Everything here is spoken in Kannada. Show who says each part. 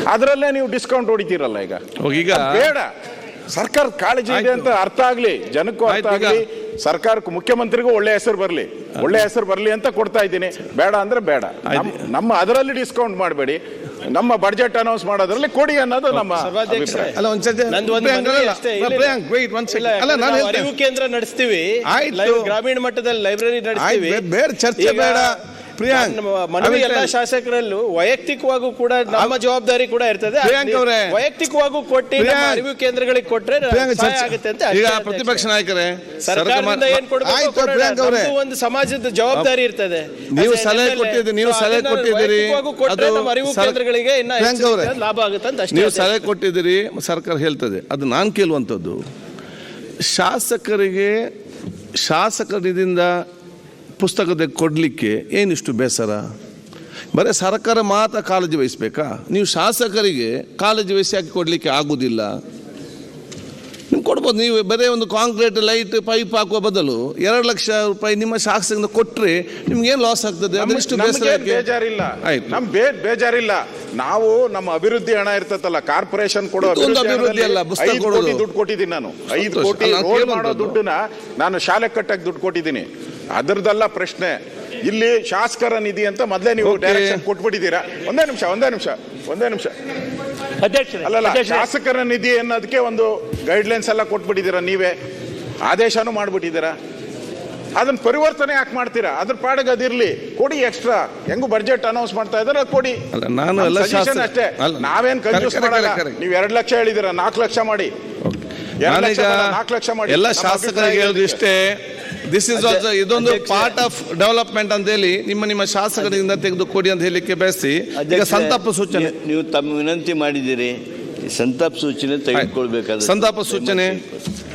Speaker 1: ಅದರಲ್ಲೇ ನೀವು ಡಿಸ್ಕೌಂಟ್ ಹೊಡಿತೀರಲ್ಲ ಈಗ.
Speaker 2: ಈಗ
Speaker 1: ಬೇಡ, ಸರ್ಕಾರ ಕಾಳಜಿ ಇದೆ ಅಂತ ಅರ್ಥ ಆಗ್ಲಿ, ಜನಕ್ಕೂ ಅರ್ಥ ಆಗ್ಲಿ, ಸರ್ಕಾರಕ್ಕೂ ಮುಖ್ಯಮಂತ್ರಿಗೂ ಒಳ್ಳೆ ಹೆಸರು ಬರಲಿ ಅಂತ ಕೊಡ್ತಾ ಇದ್ದೀನಿ. ಬೇಡ ಅಂದ್ರೆ ಬೇಡ, ನಮ್ಮ ಅದರಲ್ಲಿ ಡಿಸ್ಕೌಂಟ್ ಮಾಡಬೇಡಿ, ನಮ್ಮ ಬಡ್ಜೆಟ್ ಅನೌನ್ಸ್ ಮಾಡೋದ್ರಲ್ಲಿ ಕೊಡಿ ಅನ್ನೋದು ನಮ್ಮ ಅಭಿಪ್ರಾಯ.
Speaker 3: ಅರಿವು ಕೇಂದ್ರ ನಡೆಸ್ತೀವಿ, ಗ್ರಾಮೀಣ ಮಟ್ಟದಲ್ಲಿ ಲೈಬ್ರರಿ ನಡೆಸ್ತೀವಿ,
Speaker 2: ಚರ್ಚೆ ಬೇಡ.
Speaker 3: ಮನವಿ ಎಲ್ಲ ಶಾಸಕರಲ್ಲೂ ವೈಯಕ್ತಿಕವಾಗೂ ಕೂಡ ನಮ್ಮ ಜವಾಬ್ದಾರಿ ಕೂಡ ಇರ್ತದೆ. ವೈಯಕ್ತಿಕವಾಗೂ ಕೊಟ್ಟು ಅರಿವು ಕೇಂದ್ರಗಳಿಗೆ ಕೊಟ್ರೆ ಆಗುತ್ತೆ ಅಂತ.
Speaker 2: ಈಗ ಪ್ರತಿಪಕ್ಷ ನಾಯಕರೇ,
Speaker 3: ಸರ್ಕಾರದಿಂದ ಏನ್ ಕೊಡಬೇಕು, ಒಂದು ಸಮಾಜದ ಜವಾಬ್ದಾರಿ ಇರ್ತದೆ.
Speaker 2: ನೀವು ಸಲಹೆ ಕೊಟ್ಟಿದ್ದೀರಿ,
Speaker 3: ನಮ್ಮ ಅರಿವು ಕೇಂದ್ರಗಳಿಗೆ ಲಾಭ ಆಗುತ್ತೆ ಅಂತ
Speaker 2: ನೀವು ಸಲಹೆ ಕೊಟ್ಟಿದ್ದೀರಿ, ಸರ್ಕಾರ ಹೇಳ್ತದೆ. ಅದು ನಾನು ಕೇಳುವಂಥದ್ದು, ಶಾಸಕರಿಂದ ಪುಸ್ತಕದ ಕೊಡಲಿಕ್ಕೆ ಏನಿಷ್ಟು ಬೇಸರ? ಬರೀ ಸರ್ಕಾರ ಮಾತ್ರ ಕಾಳಜಿ ವಹಿಸಬೇಕಾ? ನೀವು ಶಾಸಕರಿಗೆ ಕಾಳಜಿ ವಹಿಸಿ ಹಾಕಿ ಕೊಡಲಿಕ್ಕೆ ಆಗೋದಿಲ್ಲ. ನೀವು ಕೊಡ್ಬೋದು. ನೀವು ಬರೀ ಒಂದು ಕಾಂಕ್ರೀಟ್ ಲೈಟ್ ಪೈಪ್ ಹಾಕುವ ಬದಲು 2 ಲಕ್ಷ ರೂಪಾಯಿ ನಿಮ್ಮ ಶಾಸಕರಿಂದ ಕೊಟ್ಟರೆ ನಿಮ್ಗೇನು ಲಾಸ್ ಆಗ್ತದೆ? ಅದಷ್ಟು
Speaker 1: ಬೇಜಾರಿಲ್ಲ, ಬೇಜಾರಿಲ್ಲ. ನಾವು ನಮ್ಮ ಅಭಿವೃದ್ಧಿ ಹಣ ಇರ್ತದಲ್ಲ, ಕಾರ್ಪೊರೇಷನ್ ಕೊಡೋ
Speaker 2: ಅಭಿವೃದ್ಧಿ ಅಲ್ಲ, ಪುಸ್ತಕ ಕೊಡೋದು
Speaker 1: ದುಡ್ಡು ಕೊಟ್ಟಿದ್ದೀನಿ ನಾನು. 5 ಕೋಟಿ ರೋಡ್ ಮಾಡೋ ದುಡ್ಡನ್ನ ನಾನು ಶಾಲೆ ಕಟ್ಟಕ್ಕೆ ದುಡ್ಡು ಕೊಟ್ಟಿದ್ದೀನಿ. ಅದರದಲ್ಲ ಪ್ರಶ್ನೆ. ಇಲ್ಲಿ ಶಾಸಕರ ನಿಧಿ ಅಂತ ಮೊದಲೇ ನೀವು ಡೈರೆಕ್ಷನ್ ಕೊಟ್ಬಿಟ್ಟಿದ್ದೀರಾ. ಒಂದೇ ನಿಮಿಷ ಅಲ್ಲಲ್ಲ, ಶಾಸಕರ ನಿಧಿ ಅನ್ನೋದಕ್ಕೆ ಒಂದು ಗೈಡ್ಲೈನ್ಸ್ ಎಲ್ಲ ಕೊಟ್ಬಿಟ್ಟಿದ್ದೀರಾ, ನೀವೇ ಆದೇಶನೂ ಮಾಡ್ಬಿಟ್ಟಿದ್ದೀರಾ. ಅದನ್ನ ಪರಿವರ್ತನೆ ಯಾಕೆ ಮಾಡ್ತೀರಾ? ಅದ್ರ ಪಾಡಿಗೆ ಅದಿರ್ಲಿ, ಕೊಡಿ ಎಕ್ಸ್ಟ್ರಾ. ಹೆಂಗು ಬಡ್ಜೆಟ್ ಅನೌನ್ಸ್ ಮಾಡ್ತಾ ಇದಾರೆ, ಕೊಡಿ. ಅಷ್ಟೇ, ನಾವೇನ್ ಕನ್ಫ್ಯೂಸ್ ಮಾಡಲ್ಲ. ನೀವು 2 ಲಕ್ಷ ಹೇಳಿದಿರ, 4 ಲಕ್ಷ ಮಾಡಿ. 4 ಲಕ್ಷ ಮಾಡಿ.
Speaker 2: ಎಲ್ಲ ಶಾಸಕರಿಗೆ ಹೇಳುದು ಇಷ್ಟೇ, ದಿಸ್ ಇಸ್ ಆಲ್ಸೋ ಇದೊಂದು ಪಾರ್ಟ್ ಆಫ್ ಡೆವಲಪ್ಮೆಂಟ್ ಅಂತ ಹೇಳಿ ನಿಮ್ಮ ಶಾಸಕರಿಂದ ತೆಗೆದು ಕೊಡಿ ಅಂತ ಹೇಳಲಿಕ್ಕೆ ಬಯಸಿ. ಈಗ ಸಂತಾಪ ಸೂಚನೆ
Speaker 4: ನೀವು ತಮ್ಮ ವಿನಂತಿ ಮಾಡಿದ್ದೀರಿ, ಸಂತಾಪ ಸೂಚನೆ ತೆಗೆದುಕೊಳ್ಬೇಕಾದ್ರೆ
Speaker 2: ಸಂತಾಪ ಸೂಚನೆ